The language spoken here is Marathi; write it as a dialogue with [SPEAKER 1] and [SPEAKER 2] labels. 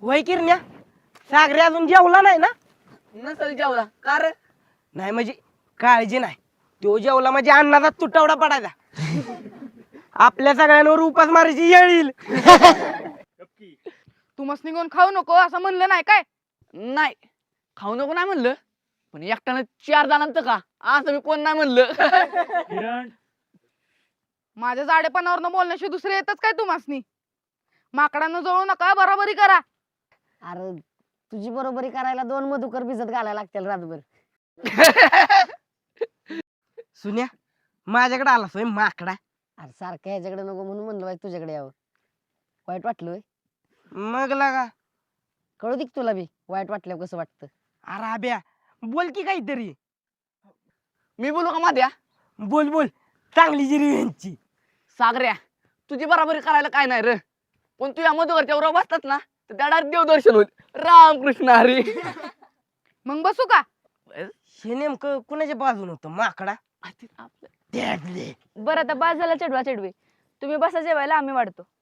[SPEAKER 1] वय किरण्या सागरे अजून जेवला नाही ना?
[SPEAKER 2] नसल जेवला का रे?
[SPEAKER 1] नाही म्हणजे काळजी नाही, तो जेवला म्हणजे अन्नाचा तुटवडा पडायचा. आपल्या सगळ्यांवर उपास मारायची येळ येईल.
[SPEAKER 3] तू मस्त निघून खाऊ नको असं म्हणलं नाही काय?
[SPEAKER 2] नाही खाऊ नको नाही म्हणलं, पण एकट्यानं 4 जणांचं का असं मी कोण नाही म्हणलं.
[SPEAKER 4] किरण
[SPEAKER 3] माझ्या जाडेपणावरनं बोलण्याशिवाय दुसरे येतच काय तुम्हासनी? माकडांना जळू नका, बरोबरी करा.
[SPEAKER 5] अरे तुझी बरोबरी करायला 2 मधुकर भिजत घालायला लागतील रातभर.
[SPEAKER 1] सुन्या माझ्याकडे आला सोय माकडा.
[SPEAKER 5] अरे सारखं ह्याच्याकडे नको म्हणून म्हणलं बाई तुझ्याकडे यावं. वाईट वाटलं होय?
[SPEAKER 1] मग लागा
[SPEAKER 5] कळू दे की तुला बी वाईट वाटल्यावर कसं वाटतं.
[SPEAKER 1] अरे अभ्या बोल की काहीतरी.
[SPEAKER 2] मी बोलू का माझ्या?
[SPEAKER 1] बोल बोल, चांगली जिरी यांची.
[SPEAKER 2] सागऱ्या तुझी बराबरी करायला काय नाही रे, पण तू या मधुकरच्या वर बसतात ना तर त्या डायरेक्ट देवदर्शन होईल. रामकृष्ण हरी.
[SPEAKER 3] मग बसू का?
[SPEAKER 1] हे नेमकं कुणाच्या बाजून होतं माकडा?
[SPEAKER 2] आपलं
[SPEAKER 1] त्यातले.
[SPEAKER 6] बरं आता बास झाला चढवा चढवी, तुम्ही बसा जेवायला, आम्ही वाढतो.